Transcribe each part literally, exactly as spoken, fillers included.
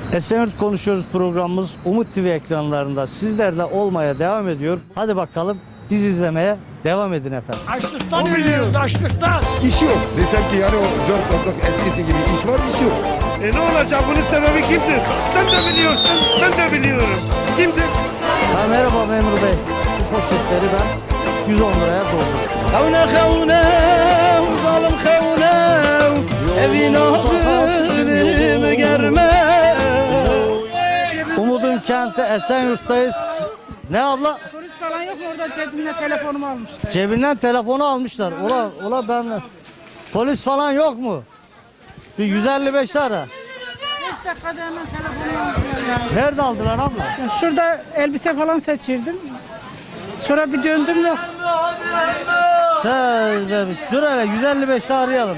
Esenyurt Konuşuyoruz programımız Umut T V ekranlarında sizlerle olmaya devam ediyor. Hadi bakalım biz izlemeye devam edin efendim. Açlıktan ölüyoruz, açlıktan. İş yok. Desem ki yani o dört dörtlük eskisi gibi iş var, iş yok. E ne olacak? Bunun sebebi kimdir? Sen de biliyorsun, ben de biliyorum. Kimdir? Ha, merhaba memur bey. Bu poşetleri ben yüz on liraya doldurdum. Kavne kavne, zalim kavne, evin ağzını germe. Umudun kenti Esenyurt'tayız. Ne abla? Polis falan yok mu orada, cebimle telefonumu almışlar. Cebinden telefonu almışlar. Ola, ola ben... Polis falan yok mu? Bir yüz elli beş ara. beş dakikada hemen telefonumu almışlar. Nerede aldılar abla? Ya şurada elbise falan seçirdim. Sonra bir döndüm yok. Şöyle bir, dur hele yüz elli beşi arayalım.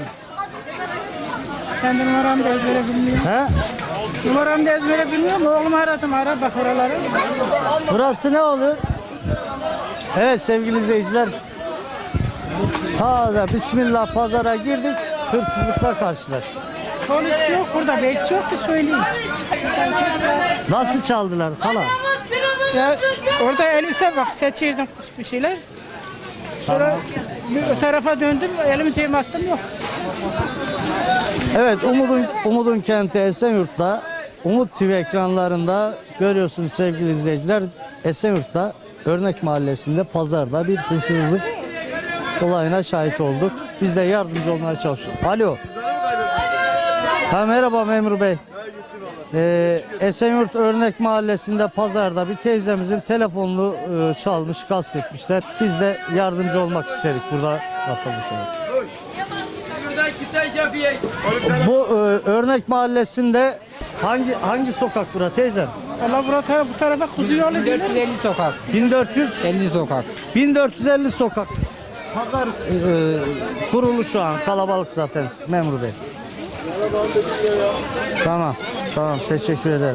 Kendi numaramı da ezbere bilmiyorum. He? Numaramı da ezbere bilmiyorum. Oğlumu aradım, ara bak oraları. Burası ne oluyor? Evet sevgili izleyiciler. Ta da Bismillah pazara girdik. Hırsızlıkla karşılaştık. Polis yok burada, belki yok ki söyleyeyim. Nasıl çaldılar falan? Ya orada elbise bak seçirdim bir şeyler. Sonra bir o tarafa döndüm, elimi cebime attım yok. Evet Umut'un Umut'un kenti Esenyurt'ta Umut T V ekranlarında görüyorsunuz sevgili izleyiciler. Esenyurt'ta Örnek Mahallesi'nde pazarda bir hırsızlık olayına şahit olduk. Biz de yardımcı olmaya çalışıyoruz. Alo. Ha, merhaba memur bey. Ee, Esenyurt Örnek Mahallesi'nde pazarda bir teyzemizin telefonunu e, çalmış, gasp etmişler. Biz de yardımcı olmak istedik burada vatandaşlara. Bu e, Örnek Mahallesi'nde hangi hangi sokak bura teyzem? Allah burada bu tarafa kuzu yolu dört diyorlar. yüz elli sokak. bin dört yüz elli sokak. bin dört yüz elli sokak. Pazar e, kurulu şu an, kalabalık zaten memur bey. Tamam, tamam teşekkür ederim.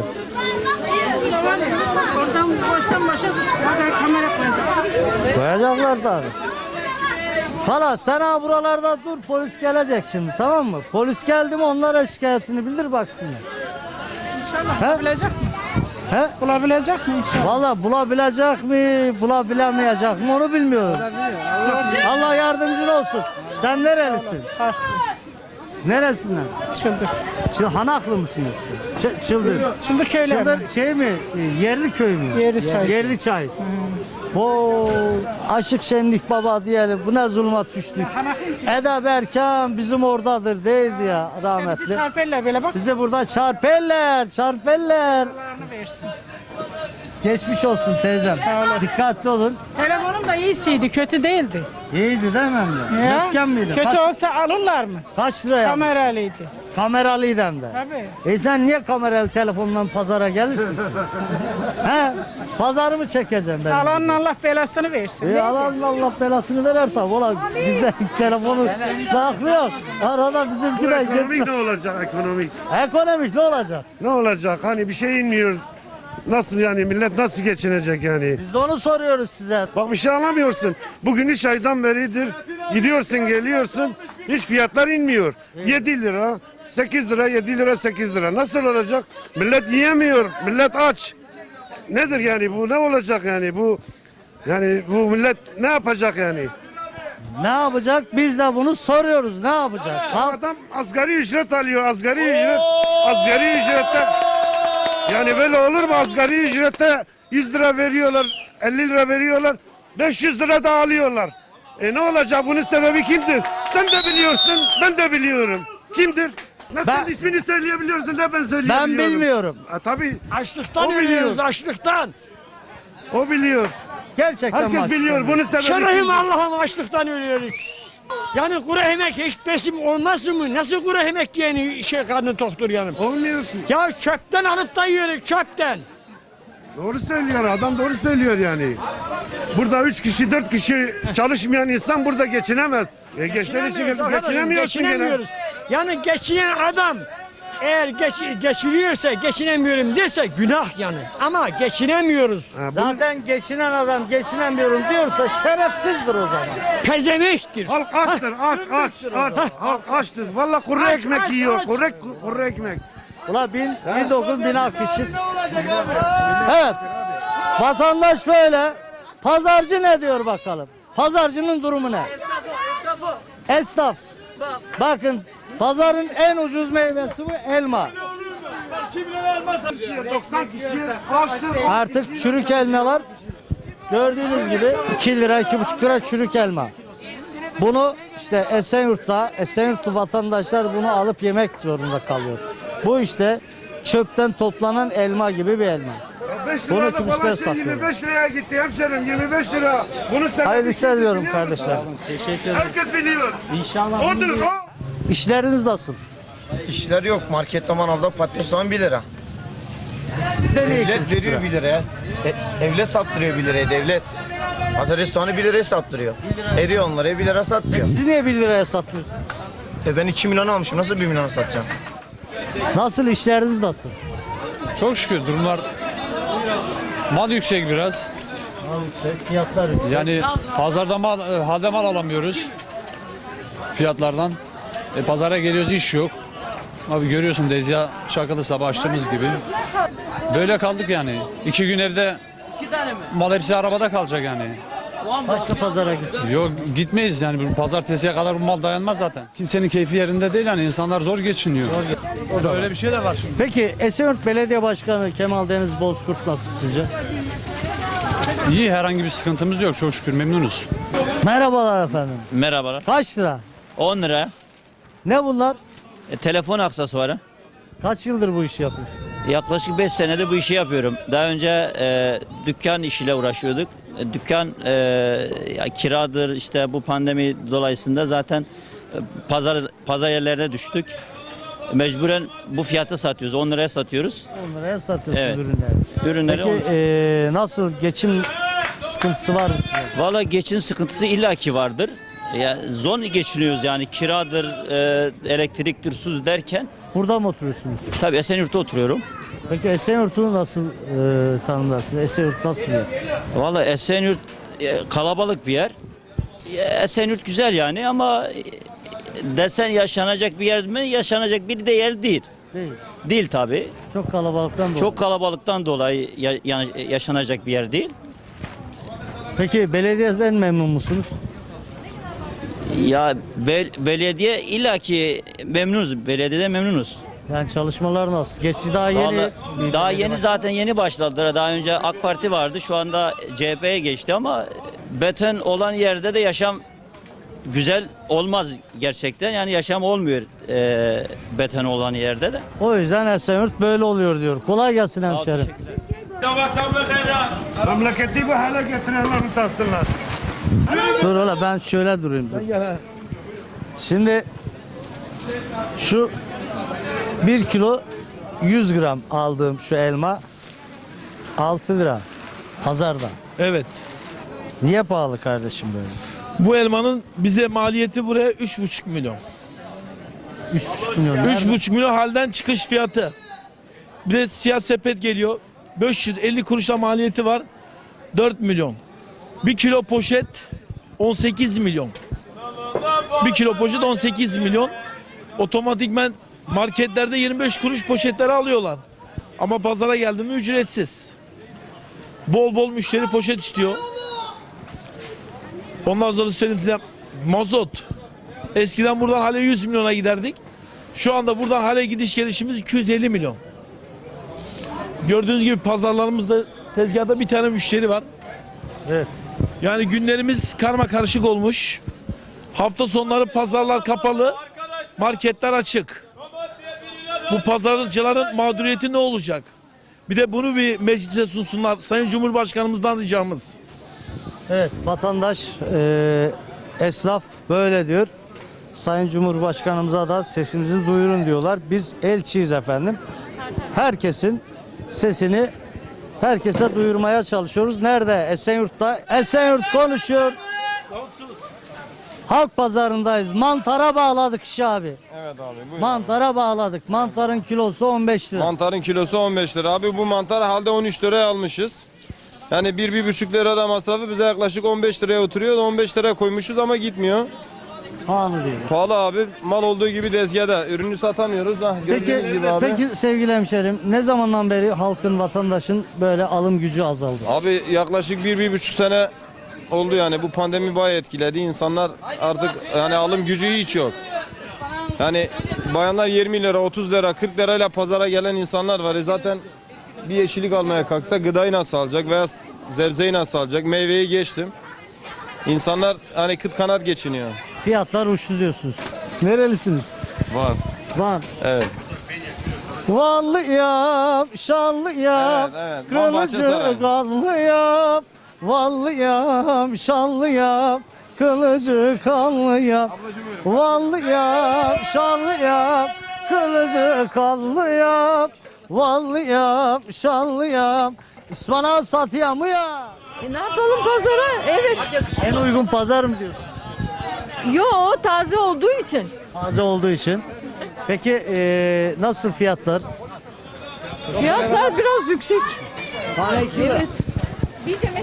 Oradan baştan başa pazar kamera koyacaksın. Koyacaklar tabii. Hala sen ha buralarda dur, polis gelecek şimdi, tamam mı? Polis geldi mi onlara şikayetini bildir baksınlar. İnşallah He? bulabilecek mi? He? Bulabilecek mi inşallah? Valla bulabilecek mi, bulabilemeyecek mi onu bilmiyorum. Allah yardımcın olsun. Sen nerelisin? Karşı. Neresinden? Çıldır. Şimdi Hanaklı mısın yoksa? Ç- Çıldır. Çıldır köyler mi? Çıldır şey mi? E, Yerli köy mü? Yerli çay. Yerli çay. Oo, aşık şenlik baba diyelim. Bu ne zulmat düştük. Hanaklı mısın? Eda Berkan bizim oradadır değildi ya İşte rahmetli. bizi çarperler böyle bak. Bizi burada çarperler, çarperler. Paralarını versin. Geçmiş olsun teyzem. Sağ olasın. Dikkatli olun. Telefonum da iyisiydi, kötü değildi. İyiydi değil mi emmi? Ya, Dükkan mıydı? kötü Kaç, olsa alırlar mı? kaç liraya? Kameralıydı. Kameralıydı hem de. Tabii. E sen niye kameralı telefondan pazara gelirsin? He? Pazarı mı çekeceğim ben? Alanın Allah belasını versin. E Allah'ın Allah belasını verer tabi. Ola bizde telefonu saklıyor. Arada bizimki de Ekonomik ne gitti. olacak ekonomik? Ekonomik ne olacak? Ne olacak? Hani bir şey inmiyor. Nasıl yani millet nasıl geçinecek yani? Biz de onu soruyoruz size. Bak bir şey alamıyorsun. Bugün üç aydan beridir gidiyorsun geliyorsun hiç fiyatlar inmiyor. yedi lira, sekiz lira, yedi lira, sekiz lira. Nasıl olacak? Millet yiyemiyor. Millet aç. Nedir yani bu? Ne olacak yani bu? Yani bu millet ne yapacak yani? Ne yapacak? Biz de bunu soruyoruz. Ne yapacak? Halk Adam asgari ücret alıyor. Asgari ücret. Asgari ücrette yani böyle olur mu? Asgari ücrette yüz lira veriyorlar, elli lira veriyorlar, beş yüz lira da alıyorlar. E ne olacak? Bunun sebebi kimdir? Sen de biliyorsun, ben de biliyorum. Kimdir? Nasıl Ben- ismini söyleyebiliyorsun da ben söyleyebiliyorum. ben bilmiyorum. Ha, tabii Açlıktan O biliyor. ölüyoruz, açlıktan. o biliyor. Gerçekten Herkes maşallah. biliyor. Bunun sebebi Şerefim kimdir? Allah'ım açlıktan ölüyoruz. Yani kuru yemek hiç besim olmaz mı? Nasıl kuru yemek yiyeni şey karnı toktur yanım? Olmuyor ki. Ya çöpten alıp da yiyoruz, çöpten. Doğru söylüyor adam doğru söylüyor yani. Burada üç kişi dört kişi çalışmayan insan burada geçinemez. E, gençler için Geçinemiyoruz arkadaşım, geçinemiyorsun gene. geçinemiyoruz. Yani geçinen adam eğer geç, geçiriyorsa geçinemiyorum dese günah yani. Ama geçinemiyoruz. Ha, bu Zaten geçinen adam geçinemiyorum diyorsa şerefsizdir o zaman. Pezemektir. halk açtır, aç, aç, aç. Halk açtır. Vallahi kuru Aç, ekmek aç, yiyor, aç. kuru, kuru ekmek. Ula bin, bin dokuz bin kişi. Evet. Vatandaş böyle. Pazarcı ne diyor bakalım? Pazarcının durumu ne? Esnaf. Bakın pazarın en ucuz meyvesi bu elma. doksan kişiye kaçtır? Artık çürük elmalar gördüğünüz gibi iki lira iki buçuk lira çürük elma. Bunu işte Esenyurt'ta Esenyurtlu vatandaşlar bunu alıp yemek zorunda kalıyor. Bu işte çöpten toplanan elma gibi bir elma. beş Bunu liralık kılıçlar olan şey satıyor. yirmi beş liraya gitti hemşerim, yirmi beş lira. Bunu sen Hayırlı işler diyorum kardeşler. herkes biliyor. İnşallah. Odur o. İşleriniz nasıl? İşler yok. Markette manavda patates soğan bir lira. Sizde ne Devlet iki buçuk veriyor lira? bir liraya. E, devlet sattırıyor bir liraya devlet. Patates soğanı bir liraya sattırıyor. Eriyor onlara bir lira sattırıyor. Siz niye bir liraya satmıyorsunuz? E ben iki milyon almışım. Nasıl bir milyon satacağım? Nasıl işleriniz nasıl? Çok şükür durumlar mal yüksek biraz. Fiyatlar yüksek. Yani pazarda mal, e, halde mal alamıyoruz fiyatlardan. E, pazara geliyoruz iş yok. Abi görüyorsun Dezya Çakılı sabah açtığımız gibi. Böyle kaldık yani. İki gün evde mal hepsi arabada kalacak yani. Başka pazara gitsin. Yok gitmeyiz yani bu pazartesiye kadar bu mal dayanmaz zaten. Kimsenin keyfi yerinde değil yani insanlar zor geçiniyor. Öyle bir şey de var şimdi. Peki Esenyurt Belediye Başkanı Kemal Deniz Bozkurt nasıl sizce? İyi herhangi bir sıkıntımız yok çok şükür memnunuz. Merhabalar efendim. Merhabalar. Kaç lira? on lira. Ne bunlar? E, telefon aksesuarı. Kaç yıldır bu işi yapıyorsun? Yaklaşık beş senedir bu işi yapıyorum. Daha önce e, dükkan işiyle uğraşıyorduk. E, dükkan e, ya, kiradır işte bu pandemi dolayısıyla zaten e, pazar pazar yerlerine düştük. Mecburen bu fiyata satıyoruz. on liraya satıyoruz. on liraya satıyorsun Evet. ürünleri. Ürünleri on- Peki eee, nasıl geçim sıkıntısı var mı size? Valla geçim sıkıntısı illaki vardır. Ya, zor geçiniyoruz yani kiradır, e, elektriktir, su derken. Burada mı oturuyorsunuz? Tabii Esenyurt'ta oturuyorum. Peki Esenyurt'u nasıl eee tanımlarsınız? Esenyurt nasıl bir yer? Valla Esenyurt e, kalabalık bir yer. E, Esenyurt güzel yani ama e, desen yaşanacak bir yer mi? Yaşanacak bir de yer değil. Değil. Değil tabii. Çok kalabalıktan dolayı. Çok kalabalıktan dolayı ya- ya- yaşanacak bir yer değil. Peki belediyeden memnun musunuz? Ya bel- belediye illaki memnunuz. Belediyede memnunuz. Yani çalışmalar nasıl? Geçti daha yeni. Vallahi bir daha belediye yeni baş- zaten yeni başladılar. Daha önce AK Parti vardı. Şu anda C H P'ye geçti ama beton olan yerde de yaşam güzel olmaz gerçekten. Yani yaşam olmuyor e, beton olan yerde de. O yüzden Esenyurt böyle oluyor diyor. Kolay gelsin Sağ ol, hemşerim. teşekkürler. Memleketi bu hale getirenler utansınlar. Dur ola ben şöyle durayım. Dur. Şimdi şu bir kilo yüz gram aldığım şu elma altı lira pazarda. Evet. Niye pahalı kardeşim böyle? Bu elmanın bize maliyeti buraya üç buçuk milyon. üç buçuk milyon. üç buçuk milyon halden çıkış fiyatı. Bir de siyah sepet geliyor. beş yüz elli kuruşla maliyeti var. dört milyon. bir kilo poşet on sekiz milyon. bir kilo poşet on sekiz milyon. Otomatikmen marketlerde yirmi beş kuruş poşetleri alıyorlar. Ama pazara geldi mi ücretsiz. Bol bol müşteri poşet istiyor. Ondan sonra söyleyeyim size mazot. Eskiden buradan hale yüz milyona giderdik. Şu anda buradan hale gidiş gelişimiz iki yüz elli milyon. Gördüğünüz gibi pazarlarımızda tezgahta bir tane müşteri var. Evet. Yani günlerimiz karma karışık olmuş. Hafta sonları pazarlar kapalı, marketler açık. Bu pazarcıların mağduriyeti ne olacak? Bir de bunu bir meclise sunsunlar. Sayın Cumhurbaşkanımızdan ricamız. Evet vatandaş eee, esnaf böyle diyor. Sayın Cumhurbaşkanımıza da sesinizi duyurun diyorlar. Biz elçiyiz efendim. Herkesin sesini herkese duyurmaya çalışıyoruz. Nerede? Esenyurt'ta. Esenyurt konuşuyor. Halk pazarındayız. Mantara bağladık işi abi. Evet abi buyurun. Mantara bağladık. Mantarın kilosu on beş lira. Mantarın kilosu on beş lira. Abi bu mantar halde on üç liraya almışız. Yani bir bir buçuk lira da masrafı bize yaklaşık on beş liraya oturuyor. on beş liraya koymuşuz ama gitmiyor. Pahalı diyor. Pahalı abi. Mal olduğu gibi tezgahda. Ürünü satamıyoruz. Ha, Peki, gördüğünüz gibi abi. peki sevgili hemşerim, ne zamandan beri halkın, vatandaşın böyle alım gücü azaldı? Abi yaklaşık bir, bir buçuk sene oldu yani. Bu pandemi bayağı etkiledi. İnsanlar artık yani alım gücü hiç yok. Yani bayanlar yirmi lira, otuz lira, kırk lirayla pazara gelen insanlar var. E zaten bir yeşillik almaya kalksa gıdayı nasıl alacak veya zebzeyi nasıl alacak? Meyveyi geçtim. İnsanlar hani kıt kanat geçiniyor. Fiyatlar uçtu diyorsunuz. Nerelisiniz? Var. Var. Evet. Vanlı yap, şanlı yap, Evet, evet. Van kılıcı Bahçesaray. kanlı yap. Vanlı yap, şanlı yap, kılıcı kanlı yap. Vanlı yap, şanlı yap, kılıcı kanlı yap. Vanlı yap, şanlı yap. İspanağı satıyor mu ya? E ne yapalım pazara? Evet. En uygun pazar mı diyorsun? Yo, taze olduğu için. Taze olduğu için. Peki eee, nasıl fiyatlar? Fiyatlar biraz yüksek. Tane iki lira. Evet. Bir demet.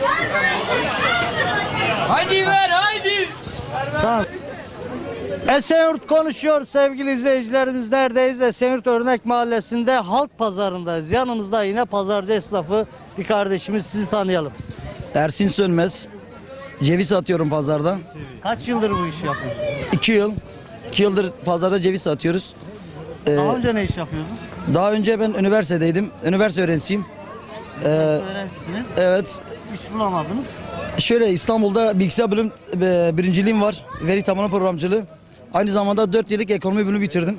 Tamam. Esenyurt konuşuyor sevgili izleyicilerimiz. Neredeyiz? Esenyurt Örnek Mahallesi'nde halk pazarındayız. Yanımızda yine pazarcı esnafı bir kardeşimiz, sizi tanıyalım. Ersin Sönmez. Ceviz satıyorum pazarda. Kaç yıldır bu işi yapıyorsun? iki yıl. iki yıldır pazarda ceviz satıyoruz. Ee, Daha önce ne iş yapıyordun? daha önce ben üniversitedeydim. Üniversite öğrencisiyim. Ee, Öğrencisiniz. evet. İş bulamadınız. Şöyle İstanbul'da bilgisayar bölüm e, birinciliğim var. Veri tabanı programcılığı. Aynı zamanda dört yıllık ekonomi bölümü bitirdim.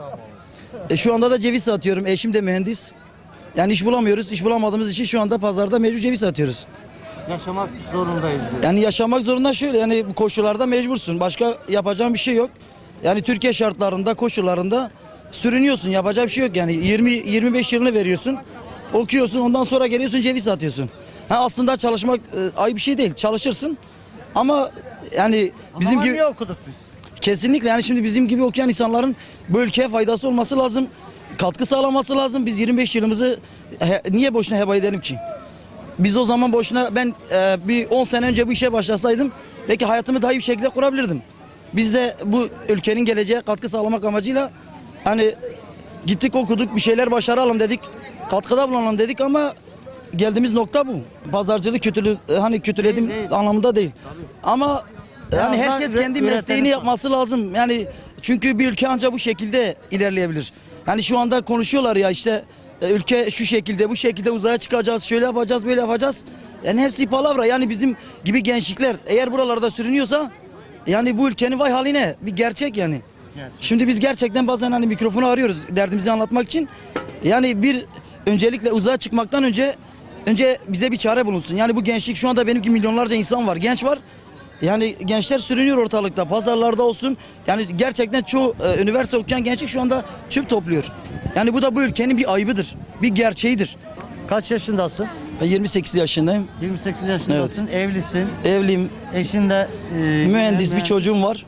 E, şu anda da ceviz satıyorum. Eşim de mühendis. Yani iş bulamıyoruz. İş bulamadığımız için şu anda pazarda mecbur ceviz satıyoruz. Yaşamak zorundayız diyor. Yani yaşamak zorunda şöyle, yani bu koşullarda mecbursun. Başka yapacağın bir şey yok. Yani Türkiye şartlarında, koşullarında sürünüyorsun. Yapacak bir şey yok. Yani yirmi yirmi beş yılını veriyorsun. Okuyorsun, ondan sonra geliyorsun ceviz satıyorsun. Ha, aslında çalışmak e, ayıp bir şey değil. Çalışırsın. Ama yani bizim Ama gibi niye okuduk biz? kesinlikle, yani şimdi bizim gibi okuyan insanların bu ülkeye faydası olması lazım. Katkı sağlaması lazım. Biz yirmi beş yılımızı he, niye boşuna heba edelim ki? Biz o zaman boşuna, ben e, bir on sene önce bu işe başlasaydım belki hayatımı daha iyi bir şekilde kurabilirdim. Biz de bu ülkenin geleceğe katkı sağlamak amacıyla hani gittik, okuduk, bir şeyler başaralım dedik. Katkıda bulunalım dedik ama geldiğimiz nokta bu. Pazarcılık kötülü, hani kötüledim Değil, değil. anlamında değil. Ama yani azından herkes üre- kendi üreteni mesleğini sağ- yapması lazım. Yani çünkü bir ülke ancak bu şekilde ilerleyebilir. Yani şu anda konuşuyorlar ya işte e, ülke şu şekilde, bu şekilde uzaya çıkacağız, şöyle yapacağız, böyle yapacağız. Yani hepsi palavra. Yani bizim gibi gençlikler eğer buralarda sürünüyorsa yani bu ülkenin vay haline, bir gerçek yani. Şimdi biz gerçekten bazen hani mikrofonu arıyoruz derdimizi anlatmak için. Yani bir öncelikle uzaya çıkmaktan önce önce bize bir çare bulunsun. Yani bu gençlik, şu anda benim gibi milyonlarca insan var, genç var. Yani gençler sürünüyor ortalıkta, pazarlarda olsun. Yani gerçekten çoğu e, üniversite okuyan gençlik şu anda çöp topluyor. Yani bu da bu ülkenin bir ayıbıdır, bir gerçeğidir. Kaç yaşındasın? Ben yirmi sekiz yaşındayım, yirmi sekiz yaşındasın, evlisin. evliyim, Eşin de e, mühendis, bir çocuğum var.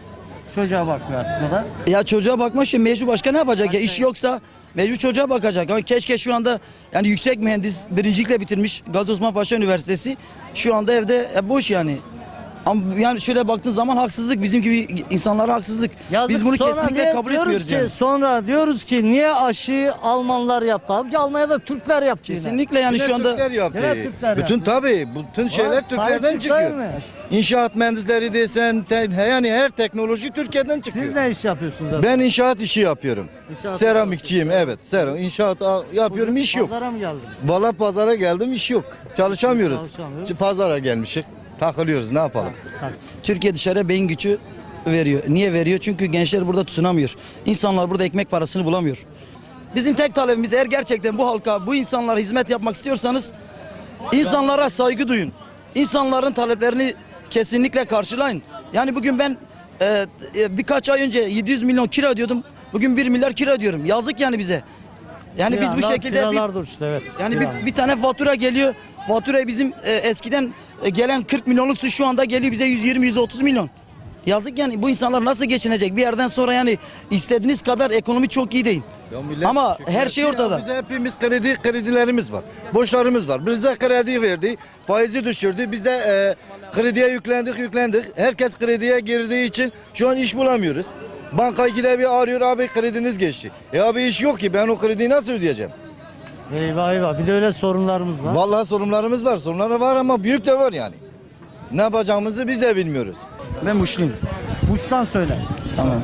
Çocuğa bakmıyor artık o da. Ya çocuğa bakma, şimdi mecbur başka ne yapacak ya, iş yoksa mecbur çocuğa bakacak. Ama keşke şu anda yani yüksek mühendis, birincilikle bitirmiş Gazi Osman Paşa Üniversitesi, şu anda evde e, boş yani. Ama yani şöyle baktığın zaman haksızlık, bizim gibi insanlara haksızlık. Yazık, Biz bunu sonra kesinlikle niye kabul diyoruz etmiyoruz ki, yani. Sonra diyoruz ki niye aşıyı Almanlar yaptı? Halbuki Almanya'da Türkler yaptı yine. Kesinlikle yani şu anda Türkler yaptı. Evet, Türkler Bütün yaptı. tabii bütün şeyler Sahip Türklerden çıkıyor çıkıyor. mu? İnşaat mühendisleri desen te- yani her teknoloji Türkiye'den çıkıyor. Siz ne iş yapıyorsunuz? abi? Ben inşaat işi yapıyorum. İnşaat Seramikçiyim, evet. Seram inşaat a- yapıyorum, iş yok. Pazara mı geldiniz? Valla pazara geldim, iş yok. Çalışamıyoruz. Çalışamıyoruz. Ç- Pazara gelmişik. Takılıyoruz, ne yapalım? Türkiye dışarıya beyin gücü veriyor. Niye veriyor? Çünkü gençler burada tutunamıyor. İnsanlar burada ekmek parasını bulamıyor. Bizim tek talebimiz, eğer gerçekten bu halka, bu insanlara hizmet yapmak istiyorsanız insanlara saygı duyun. İnsanların taleplerini kesinlikle karşılayın. Yani bugün ben e, e, birkaç ay önce yedi yüz milyon kira ödüyordum. Bugün bir milyar kira ödüyorum. Yazık yani bize. Yani biz bu Kiralar- şekilde bir, kiralar da uçtu, evet. yani Kiralar. bir, bir tane fatura geliyor. Faturayı bizim e, eskiden e, gelen kırk milyonluk su şu anda geliyor bize yüz yirmi yüz otuz milyon. Yazık yani, bu insanlar nasıl geçinecek? Bir yerden sonra yani istediğiniz kadar ekonomi çok iyi değil. Ama her şey ortada. Biz hepimiz kredi kredilerimiz var. Borçlarımız var. Bize kredi verdi. Faizi düşürdü. Biz de e, krediye yüklendik yüklendik. Herkes krediye girdiği için şu an iş bulamıyoruz. Banka gide bir arıyor abi krediniz geçti. E abi iş yok ki ben o krediyi nasıl ödeyeceğim? Eyvah eyvah. Bir de öyle sorunlarımız var. Vallahi sorunlarımız var. Sorunları var ama büyük de var yani. Ne yapacağımızı biz de bilmiyoruz. Ben Muşluyum. Muş'tan söyle. Tamam.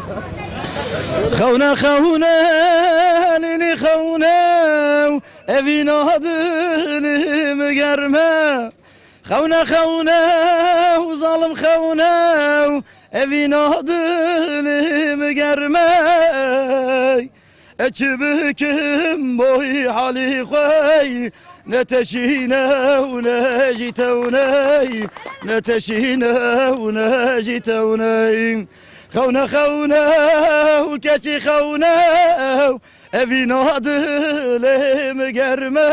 Kavne kavne elini kavne evin adını mı germe Kavne kavne zalim kavne evin adını mı germe Ekibükim boy hali koy ne teşine ne jitevne ne teşine ne jitevne Kavne kavne keçi kavne evin adılım germe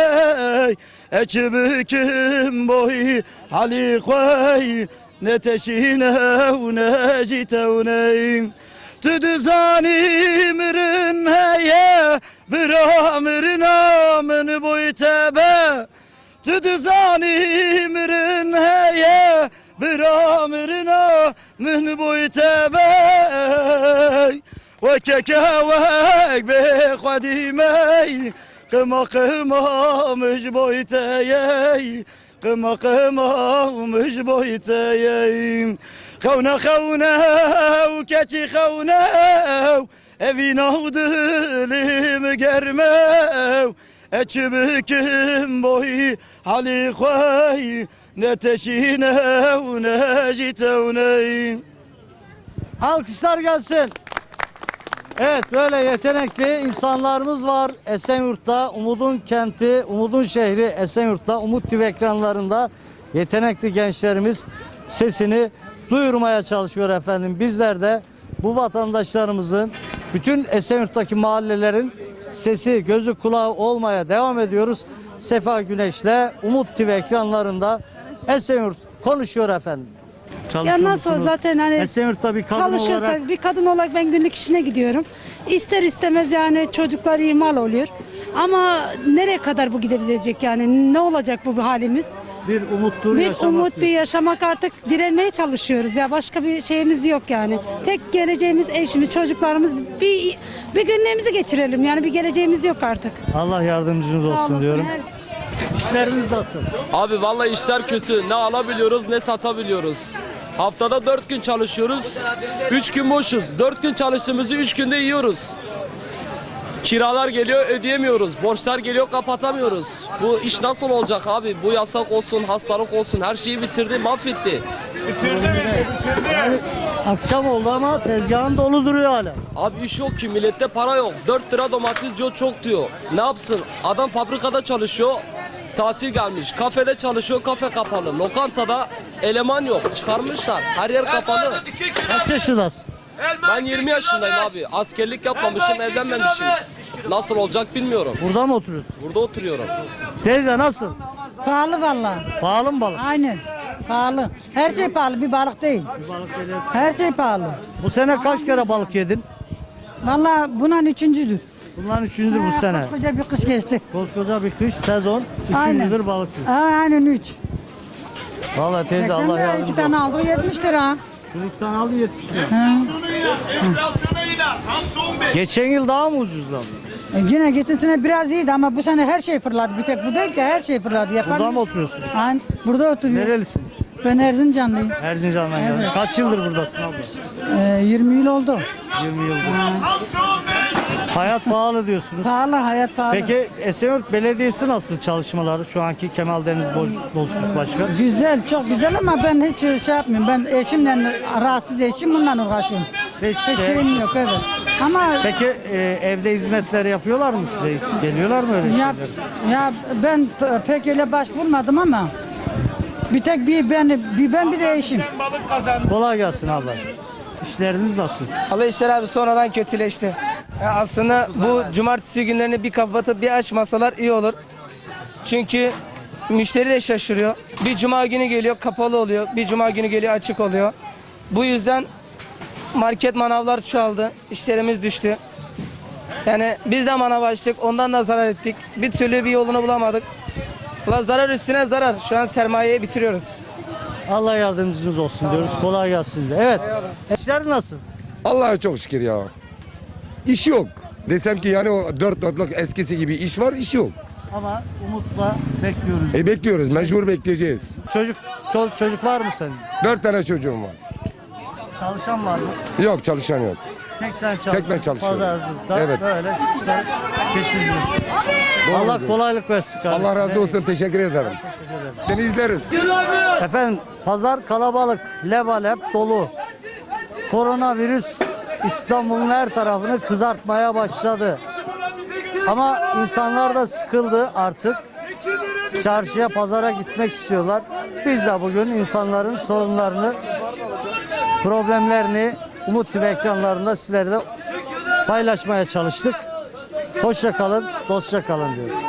Ekibükim boy hali koy ne teşine ne jitevne Tüdü zanimirin heye bir amirin amın boy tebe Tüdü zanimirin heye bir amirina min boy tebey ve kekevek be khadimey qıma qıma müj boy teyey qıma qıma müj boy teyey Kavne kavne keçi kavne evin avdılım germev Ekibükim boy hali koy ne teşine ne jitevne Alkışlar gelsin. Evet, böyle yetenekli insanlarımız var Esenyurt'ta. Umudun kenti, Umudun şehri Esenyurt'ta. Umut T V ekranlarında yetenekli gençlerimiz sesini duyurmaya çalışıyor efendim. Bizler de bu vatandaşlarımızın, bütün Esenyurt'taki mahallelerin sesi, gözü, kulağı olmaya devam ediyoruz. Sefa Güneş'le Umut T V ekranlarında Esenyurt konuşuyor efendim. Ya nasıl musunuz? zaten hani Esenyurt'ta bir kadın çalışıyorsak olarak bir kadın olarak ben günlük işine gidiyorum. İster istemez yani çocuklar ihmal oluyor. Ama nereye kadar bu gidebilecek yani ne olacak bu halimiz? bir umuttur Bir yaşamak umut bir diyor. yaşamak artık direnmeye çalışıyoruz ya başka bir şeyimiz yok yani. Tek geleceğimiz eşimiz çocuklarımız bir bir günlerimizi geçirelim yani bir geleceğimiz yok artık. Allah yardımcınız Sağ olsun olasın. diyorum. Her- İşleriniz nasıl? Abi vallahi işler kötü. Ne alabiliyoruz ne satabiliyoruz. Haftada dört gün çalışıyoruz. Üç gün boşuz. Dört gün çalıştığımızı üç günde yiyoruz. Kiralar geliyor ödeyemiyoruz. Borçlar geliyor kapatamıyoruz. Bu iş nasıl olacak abi? Bu yasak olsun, hastalık olsun her şeyi bitirdi, mahvetti. Akşam oldu ama tezgahın dolu duruyor hala. Abi iş yok ki millette para yok. dört lira domates diyor çok diyor. Ne yapsın? Adam fabrikada çalışıyor. Tatil gelmiş. Kafede çalışıyor. Kafe kapalı. Lokantada eleman yok. Çıkarmışlar. Her yer kapalı. Kaç yaşındasın? Ben yirmi yaşındayım abi. Askerlik yapmamışım, evlenmemişim. Nasıl olacak bilmiyorum. Burada mı oturuyorsun? Burada oturuyorum. Teyze nasıl? Pahalı vallahi. Pahalı mı balık? Aynen. Pahalı. Her şey pahalı, bir balık değil. Her şey pahalı. Bu sene kaç kere balık yedin? Vallahi bunun üçüncüdür. Bunların üçüncüdür bu sene. Koskoca bir kış geçti. Koskoca bir kış sezon. Aynen. Üçüncüdür balık. Aynen üç. Vallahi teyze Allah Sen de yardımcı iki tane olsun. aldı yetmiş lira. Şu iki tane aldı yetmiş lira. Geçen yıl daha mı ucuzdu? E yine geçen sene biraz iyiydi ama bu sene her şey fırladı. Bir tek bu değil ki her şey fırladı. Yapan Burada mı oturuyorsun? Aynen. Burada oturuyorum. Nerelisiniz? Ben Erzincanlıyım. Erzincan'dan geldin. Kaç yıldır buradasın abla? Ee, yirmi yıl oldu. yirmi yıldır. Hayat pahalı diyorsunuz. Pahalı, hayat pahalı. Peki Esenyurt Belediyesi nasıl çalışmaları? Şu anki Kemal Deniz Boz- Bozkurt Başkan. Güzel, çok güzel ama ben hiç şey yapmıyorum. Ben eşimle, rahatsız eşim bununla uğraşıyorum. Hiçbir Hiç şey- şeyim yok, evet. Ama Peki e, evde hizmetler yapıyorlar mı size hiç? Geliyorlar mı öyle ya, şeyler? ya ben p- pek öyle başvurmadım ama bir tek bir ben, bir ben bir de eşim. Kolay gelsin abla. İşleriniz nasıl? Allah işler abi sonradan kötüleşti. Ya aslında bu cumartesi günlerini bir kapatıp bir açmasalar iyi olur. Çünkü müşteri de şaşırıyor. Bir cuma günü geliyor kapalı oluyor. Bir cuma günü geliyor açık oluyor. Bu yüzden market manavlar çoğaldı. İşlerimiz düştü. Yani biz de manav açtık, ondan da zarar ettik. Bir türlü bir yolunu bulamadık. Ulan zarar üstüne zarar. Şu an sermayeyi bitiriyoruz. Allah yardımcınız olsun diyoruz. Kolay gelsin de. Evet. İşler nasıl? Allah'a çok şükür ya. İş yok. Desem ki yani o dört dörtlük eskisi gibi iş var, iş yok. Ama umutla bekliyoruz. E bekliyoruz, mecbur bekleyeceğiz. Çocuk, çoluk çocuk var mı senin? Dört tane çocuğum var. Çalışan var mı? Yok, çalışan yok. Tek sen çalışıyorsun. Tek ben çalışıyorum. Pazarcılıkta Evet. böyle sen geçiriyorsun. Allah kolaylık versin kardeşim. Allah razı olsun, teşekkür ederim. Seni izleriz. Efendim pazar kalabalık, lebalep dolu. Koronavirüs İstanbul'un her tarafını kızartmaya başladı. Ama insanlar da sıkıldı artık. Çarşıya, pazara gitmek istiyorlar. Biz de bugün insanların sorunlarını, problemlerini Umut T V ekranlarında sizlerle paylaşmaya çalıştık. Hoşça kalın, dostça kalın diyorum.